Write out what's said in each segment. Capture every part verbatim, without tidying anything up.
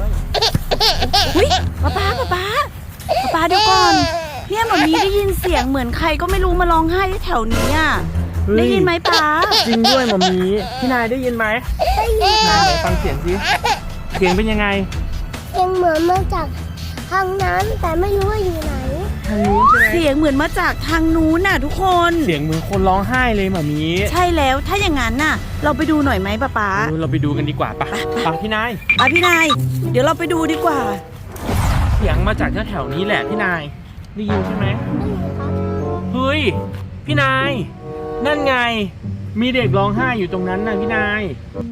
อุ้ยป๊าป๊าป๊าป๊าป๊าป๊าเดี๋ยวก่อนเนี่ยหมอมีได้ยินเสียงเหมือนใครก็ไม่รู้มาร้องไห้ที่แถวนี้อ่ะได้ยินไหมป๊าจริงด้วยหมอมีพี่นายได้ยินไหมได้ยินนายฟังเสียงสิเสียงเป็นยังไงเสียงเหมือนมาจากทางนั้นแต่ไม่รู้ว่าอยู่ไหนทางนู้นใช่ไหมเสียงเหมือนมาจากทางนู้นน่ะทุกคนเสียงเหมือนคนร้องไห้เลยหมอมีใช่แล้วถ้าอย่างนั้นน่ะเราไปดูหน่อยไหมป๊าป๊าเราไปดูกันดีกว่าปะปะพี่นายอ่ะพี่นายเดี๋ยวเราไปดูดีกว่าเสียงมาจากแถวๆนี้แหละพี่นายได้ยินใช่ไหมเฮ้ยพี่นายนั่นไงมีเด็กร้องไห้อยู่ตรงนั้นนะพี่นาย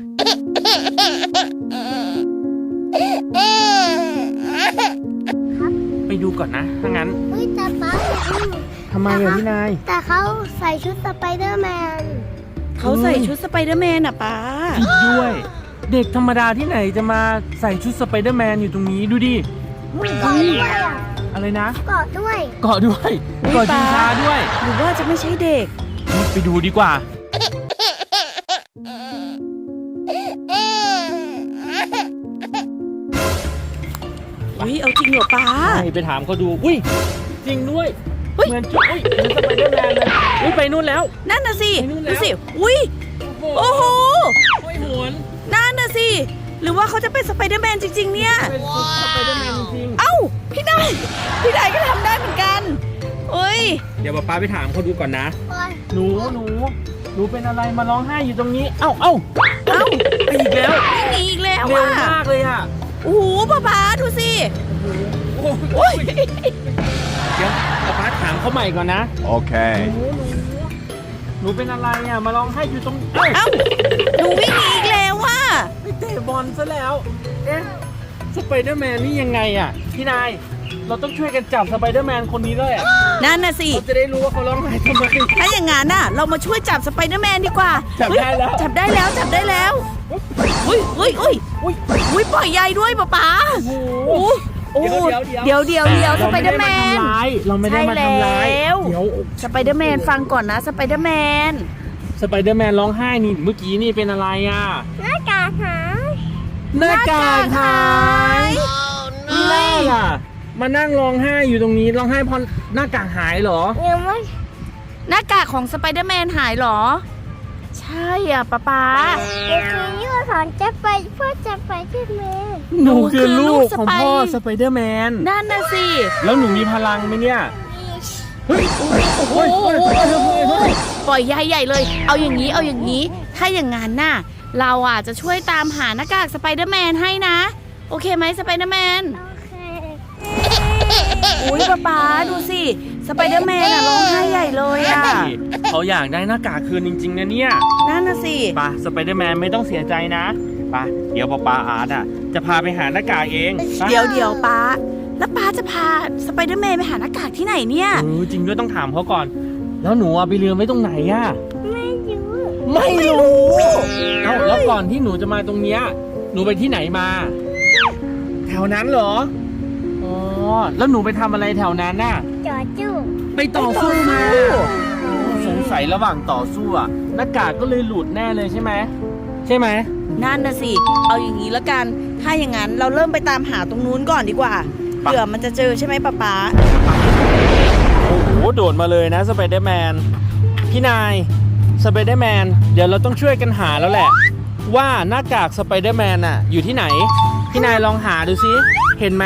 ไปดูก่อนนะถ้างั้นเฮ้ยแต่ป๊าทำไมอะพี่นายแต่เขาใส่ชุดสไปเดอร์แมนเขาใส่ชุดสไปเดอร์แมนอ่ะป๊าจริงด้วยเด็กธรรมดาที่ไหนจะมาใส่ชุดสไปเดอร์แมนอยู่ตรงนี้ดูดิเกาะด้วยอะไรนะเกาะด้วยเกาะด้วยเกาะชิงช้าด้วยหรือว่าจะไม่ใช่เด็กไปดูดีกว่าอุ้ยเอาจริงเหรอป้าไปถามเขาดูอุ้ยจริงด้วยเหมือนจุ๊ยเหมือนสไปเดอร์แมนเลยอุ้ยไปนู่นแล้วนั่นน่ะสิดูสิอุ้ยโอ้โหโอ้ยหมุนนั่นน่ะสิหรือว่าเขาจะเป็นสไปเดอร์แมนจริงๆเนี่ยเป็นสไปเดอร์แมนจริงเอ้าพี่นายพี่นายก็ทำได้เหมือนกันเอ้ยเดี๋ยวป้าไปถามเขาดูก่อนนะหนูหนูหนูเป็นอะไรมาร้องไห้อยู่ตรงนี้เอ้าเอ้าเอ้าไปอีกแล้วหนีอีกแล้วเร็วมากเลยอ่ะโอ้โหป้าป้าดูสิโอ้ยเดี๋ยวป้าถามเขาใหม่ก่อนนะโอเคหนูเป็นอะไรอ่ะมาร้องไห้อยู่ตรงเอ้าหนูวิ่งหนีอีกแล้วว่ะไปเตะบอลซะแล้วเอ๊ะสไปเดอร์แมนนี่ยังไงอ่ะพี่นายเราต้องช่วยกันจับสไปเดอร์แมนคนนี้ด้วยอ่ะนั่นน่ะสิเราจะได้รู้ว่าเขาร้องไห้ทำไมถ้าอย่างงั้นน่ะเรามาช่วยจับสไปเดอร์แมนดีกว่าจับได้แล้วจับได้แล้วจับได้แล้วอุ้ยอุ้ยอุ้ยอุ้ยอุ้ยปล่อยใยด้วยป๊าป๊าโอ้โหเดี๋ยวเดี๋ยวเดี๋ยวสไปเดอร์แมนเราไม่ได้มาทำร้ายเดี๋ยวสไปเดอร์แมนฟังก่อนนะสไปเดอร์แมนสไปเดอร์แมนร้องไห้นี่เมื่อกี้นี่เป็นอะไรอ่ะหน้ากากหายหน้ากากหายไม่ล่ะมานั่งร้องไห้อยู่ตรงนี้ร้องไห้เพราะหน้ากากหายเหรอยังไม่หน้ากากของสไปเดอร์แมนหายเหรอใช่อ่ะป๊าป๊าเด็กคนนี้มาสอนจะไปพ่อจะไปที่แม่หนูคือลูกของพ่อสไปเดอร์แมนนั่นน่ะสิแล้วหนูมีพลังไหมเนี่ยเฮ้ยโอ้ยปล่อยใยใหญ่เลยเอาอย่างนี้เอาอย่างนี้ถ้าอย่างงั้นน่ะเราอ่ะจะช่วยตามหาหน้ากากสไปเดอร์แมนให้นะโอเคไหมสไปเดอร์แมนอุ้ยป๊าป๊าดูสิสไปเดอร์แมนอะร้องไห้ใหญ่เลยอะเขาอยากได้หน้ากากคืนจริงๆนะเนี่ยนั่นน่ะสิป้าสไปเดอร์แมนไม่ต้องเสียใจนะป้าเดี๋ยวป้าป้าอาร์ตอะจะพาไปหาหน้ากากเองเดี๋ยวเดี๋ยวป้าแล้วป้าจะพาสไปเดอร์แมนไปหาหน้ากากที่ไหนเนี่ยเออจริงด้วยต้องถามเขาก่อนแล้วหนูไปลืมไว้ตรงไหนอะไม่รู้ไม่รู้เอ้าแล้วก่อนที่หนูจะมาตรงเนี้ยหนูไปที่ไหนมาแถวนั้นเหรออ๋อแล้วหนูไปทำอะไรแถวนั้นน่ะต่อสู้ไปต่อสู้มาสงสัยระหว่างต่อสู้อะหน้ากากก็เลยหลุดแน่เลยใช่ไหมใช่ไหมนั่นน่ะสิเอาอย่างนี้แล้วกันถ้าอย่างนั้นเราเริ่มไปตามหาตรงนู้นก่อนดีกว่าเผื่อมันจะเจอใช่ไหมป๊าป๊าโอ้โหโดดมาเลยนะสไปเดอร์แมนพี่นายสไปเดอร์แมนเดี๋ยวเราต้องช่วยกันหาแล้วแหละว่าหน้ากากสไปเดอร์แมนอะอยู่ที่ไหนพี่นายลองหาดูซิเห็นไหม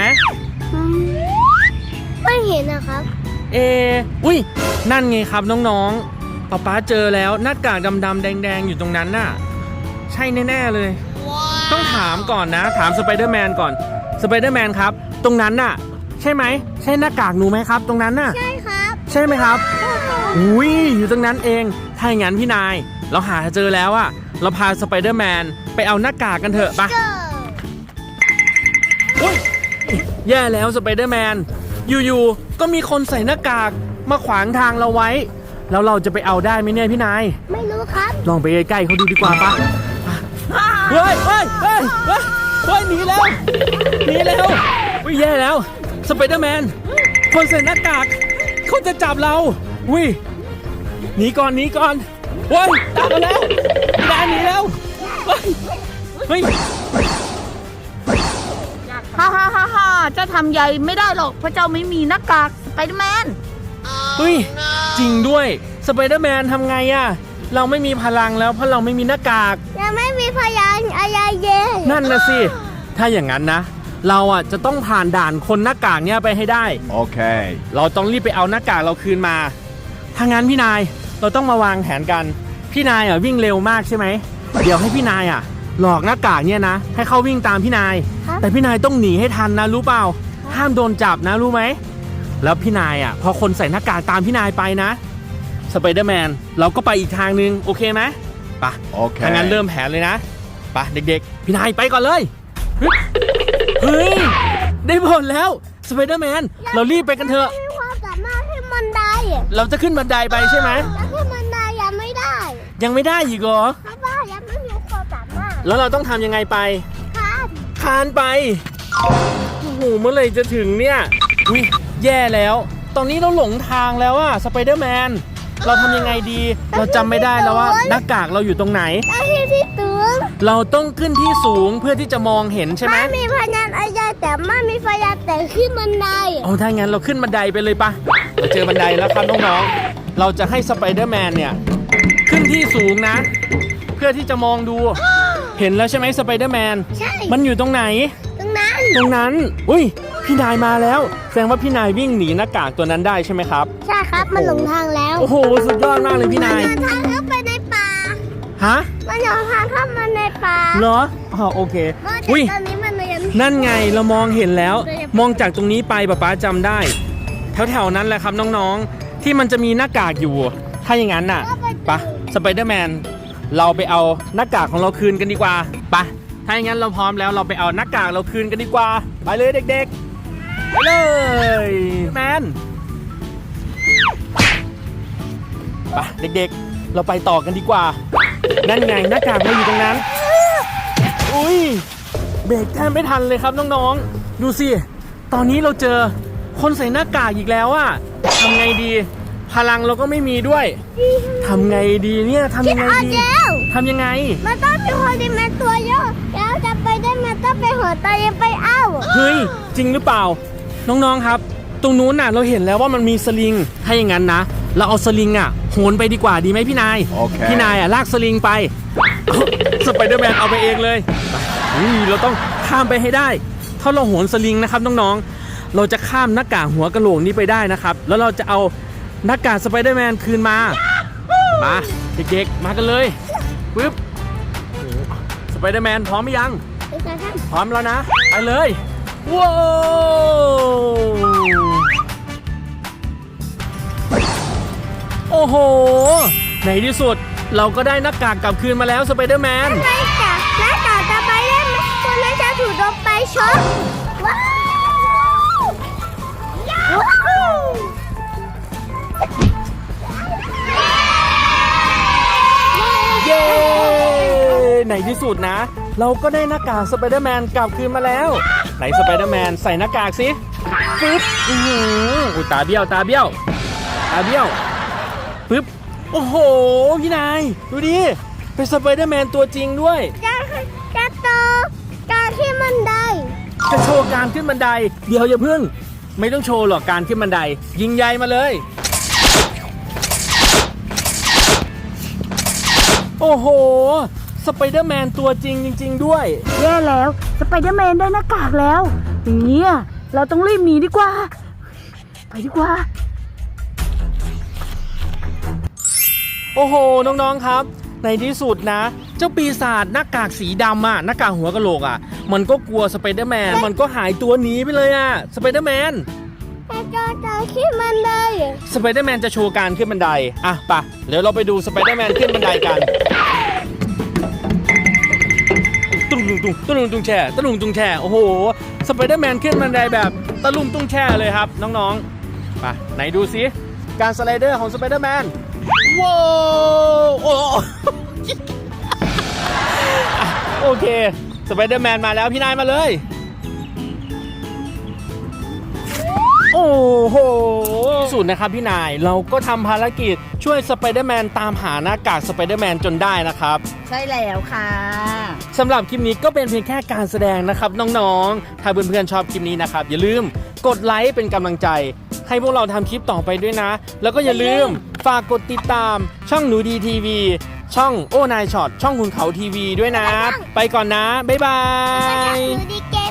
ไม่เห็นนะครับเออุ้ยนั่นไงครับน้องๆป๊าป๊าเจอแล้วหน้ากากดำๆแดงๆอยู่ตรงนั้นน่ะใช่แน่ๆเลย wow. ต้องถามก่อนนะถามสไปเดอร์แมนก่อนสไปเดอร์แมนครับตรงนั้นน่ะใช่ไหมใช่หน้ากากหนูไหมครับตรงนั้นน่ะใช่ครับใช่ไหมครับอุ้ยอยู่ตรงนั้นเองถ้าอย่างนั้นพี่นายเราหาเจอแล้วอะเราพาสไปเดอร์แมนไปเอาหน้ากากกันเถอะปะอุ้ยแย่แล้วสไปเดอร์แมนอยู่ๆก็มีคนใส่หน้ากากมาขวางทางเราไว้แล้วเราจะไปเอาได้ไหมเนี่ยพี่นายไม่รู้ครับลองไปใกล้ๆเขาดูดีกว่าปะเฮ้ยเฮ้ยเฮ้ยเฮ้ยเฮ้ยหนีแล้วหนีแล้วอุ้ยแย่แล้วสไปเดอร์แมนคนใส่หน้ากากเขาจะจับเราอุ้ยหนีก่อนหนีก่อนเฮ้ยตามมาแล้วพี่นายหนีแล้วเฮ้ยเฮ้ยฮ่าฮ่าฮ่าฮ่าเจ้าทำใหญ่ไม่ได้หรอกเพราะเจ้าไม่มีหน้ากากสไปเดอร์แมนเฮ้ยจริงด้วยสไปเดอร์แมนทำไงอะเราไม่มีพลังแล้วเพราะเราไม่มีหน้ากากยังไม่มีพยานอะไรเย่นั่นนะสิถ้าอย่างนั้นนะ เราอ่ะจะต้องผ่านด่านคนหน้ากากเนี่ยไปให้ได้ Okay. เราต้องรีบไปเอาหน้ากากเราคืนมาถ้างั้นพี่นายเราต้องมาวางแผนกันพี่นายอ่ะวิ่งเร็วมากใช่ไหมเดี๋ยวให้พี่นายอ่ะหลอกหน้ากากเนี่ยนะให้เขาวิ่งตามพี่นายแต่พี่นายต้องหนีให้ทันนะรู้เปล่าห้ามโดนจับนะรู้ไหมแล้วพี่นายอ่ะพอคนใส่หน้ากากตามพี่นายไปนะสไปเดอร์แมนเราก็ไปอีกทางนึงโอเคไหมไป Okay. ถ้างั้นเริ่มแผนเลยนะไปเด็กๆพี่นายไปก่อนเลยฮึบเฮ้ยได้ผลแล้วสไปเดอร์แมนเรารีบไปกันเถอะมีความสามารถขึ้นบันไดเราจะขึ้นบันไดไปใช่ไหมแต่ขึ้นบันไดยังไม่ได้ยังไม่ได้อีกเหรอเพราะว่ายังไม่มีความสามารถแล้วเราต้องทำยังไงไปครับคานไปโอ้โหเมื่อไหร่จะถึงเนี่ยอุ้ยแย่แล้ว ตอนนี้เราหลงทางแล้วอะสไปเดอร์แมนเราทำยังไงดี เราจำไม่ได้แล้วว่าหน้ากากเราอยู่ตรงไหนได้ที่ที่ตึงเราต้องขึ้นที่สูงเพื่อที่จะมองเห็นใช่ไหมไม่มีพยานอะไรแต่ไม่มีพยานแต่ขึ้นบันไดเอาถ้างั้นเราขึ้นบันไดไปเลยปะเราเจอบันไดแล้วครับน้องๆเราจะให้สไปเดอร์แมนเนี่ยขึ้นที่สูงนะ เพื่อที่จะมองดู เห็นแล้วใช่ไหมสไปเดอร์แมนใช่มันอยู่ตรงไหนตรงนั้นตรงนั้น อุ้ย พี่นายมาแล้ว แสดงว่าพี่นายวิ่งหนีหน้ากากตัวนั้นได้ใช่ไหมครับใช่ครับมันหลงทางแล้วโอ้โห สุดยอดมากเลยพี่นายมันเดินทางเข้าไปในป่าฮะมันเดินทางเข้ามาในป่าเหรออ๋อโอเคเพราะอุ้ยตอนนี้มันยังนั่นไงเรามองเห็นแล้ว มองจากตรงนี้ไปป๊าป๊าจำได้ แถวๆนั้นแหละครับน้องๆ ที่มันจะมีหน้ากากอยู่ ถ้าอย่างนั้นน่ะไปะสไปเดอร์แมน เราไปเอาหน้ากากของเราคืนกันดีกว่าไปะถ้าอย่างนั้นเราพร้อมแล้วเราไปเอาหน้ากากเราคืนกันดีกว่า ไปเลยเด็กๆ ไปเลยแมนไปเด็กๆ เราไปต่อกันดีกว่า นั่นไงหน้ากากเราอยู่ตรงนั้น อุ้ยเบรกแทบไม่ทันเลยครับน้องๆ ดูสิ ตอนนี้เราเจอคนใส่หน้ากากอีกแล้วอะทำไงดี พลังเราก็ไม่มีด้วยทำไงดีเนี่ยทำยังไงเอาดีเจ้าทำยังไงมันต้องมีคนที่มันตัวเยอะแล้วจะไปได้มันต้องไปหัวตายังไปเอ้าเฮ้ย จริงหรือเปล่า น้องๆครับ ตรงนู้นน่ะเราเห็นแล้วว่ามันมีสลิง ถ้าอย่างนั้นนะ เราเอาสลิงอ่ะโหนไปดีกว่าดีไหมพี่นายโอเคพี่นายอ่ะลากสลิงไปเอาสไปเดอร์แมนเอาไปเองเลยไปอุ้ยเราต้องข้ามไปให้ได้ ถ้าเราโหนสลิงนะครับน้องๆ เราจะข้ามหน้ากากหัวกะโหลกนี้ไปได้นะครับ แล้วเราจะเอาหน้ากากสไปเดอร์แมนคืนมา มาเด็กๆ มากันเลยปึ๊บโอ้โหสไปเดอร์แมนพร้อมหรือยังไปกันครับพร้อมแล้วนะ ไปเลย ว้าวโอ้โห ในที่สุดเราก็ได้หน้ากากกลับคืนมาแล้วสไปเดอร์แมนไปจ้ะแล้วต่อจะไปเล่นคนนั้นจะถูกโดนไปช็อตว้าวว้าวเย้ ในที่สุดนะ เราก็ได้หน้ากากสไปเดอร์แมนกลับคืนมาแล้ว ไหนสไปเดอร์แมนใส่หน้ากากสิปึ๊บอือหืออุยตาเบี้ยวตาเบี้ยวตาเบี้ยวปึ๊บโอ้โหพี่นายดูดิเป็นสไปเดอร์แมนตัวจริงด้วยจะจะโตจะที่มันได้จะโชว์การขึ้นบันได เดี๋ยวอย่าเพิ่ง ไม่ต้องโชว์หรอกการขึ้นบันได ยิงใยมาเลย โอ้โหสไปเดอร์แมนตัวจริงจริง ๆ ด้วยแย่แล้วสไปเดอร์แมนได้หน้ากากแล้วอย่างนี้อะเราต้องรีบหนีดีกว่า ไปดีกว่าโอ้โห น้องๆ ครับ ในที่สุดนะ เจ้าปีศาจหน้ากากสีดำอะหน้ากากหัวกะโหลกอะมันก็กลัวสไปเดอร์แมน มันก็หายตัวหนีไปเลยอะสไปเดอร์แมนจะจะจะที่มันได้สไปเดอร์แมนจะโชว์การขึ้นบันได อ่ะไปะเดี๋ยวเราไปดูสไปเดอร์แมนขึ้นบันไดกัน ตุ้งตุ้งตุ้งตุ้งตุ้งแช่ตุ้งตุ้งแช่โอ้โห สไปเดอร์แมนขึ้นบันไดแบบตะลุ่มตุ้งแช่เลยครับน้องๆไปไหนดูซิการสไลเดอร์ของสไปเดอร์แมน ว้าวโอ้อ่ะโอเค สไปเดอร์แมนมาแล้วพี่นายมาเลย โอ้โหสุดดนะครับพี่นายเราก็ทำภารกิจช่วยสไปเดอร์แมนตามหาหน้ากากสไปเดอร์แมนจนได้นะครับใช่แล้วค่ะสำหรับคลิปนี้ก็เป็นเพียงแค่การแสดงนะครับน้องๆถ้าเพื่อนๆชอบคลิปนี้นะครับอย่าลืมกดไลค์เป็นกำลังใจให้พวกเราทำคลิปต่อไปด้วยนะแล้วก็อย่าลืมฝากกดติดตามช่องหนูดีทีวีช่องโอ้นายช็อตช่องคุณเขาทีวีด้วยนะไปก่อนนะบ๊ายบายดูดีเก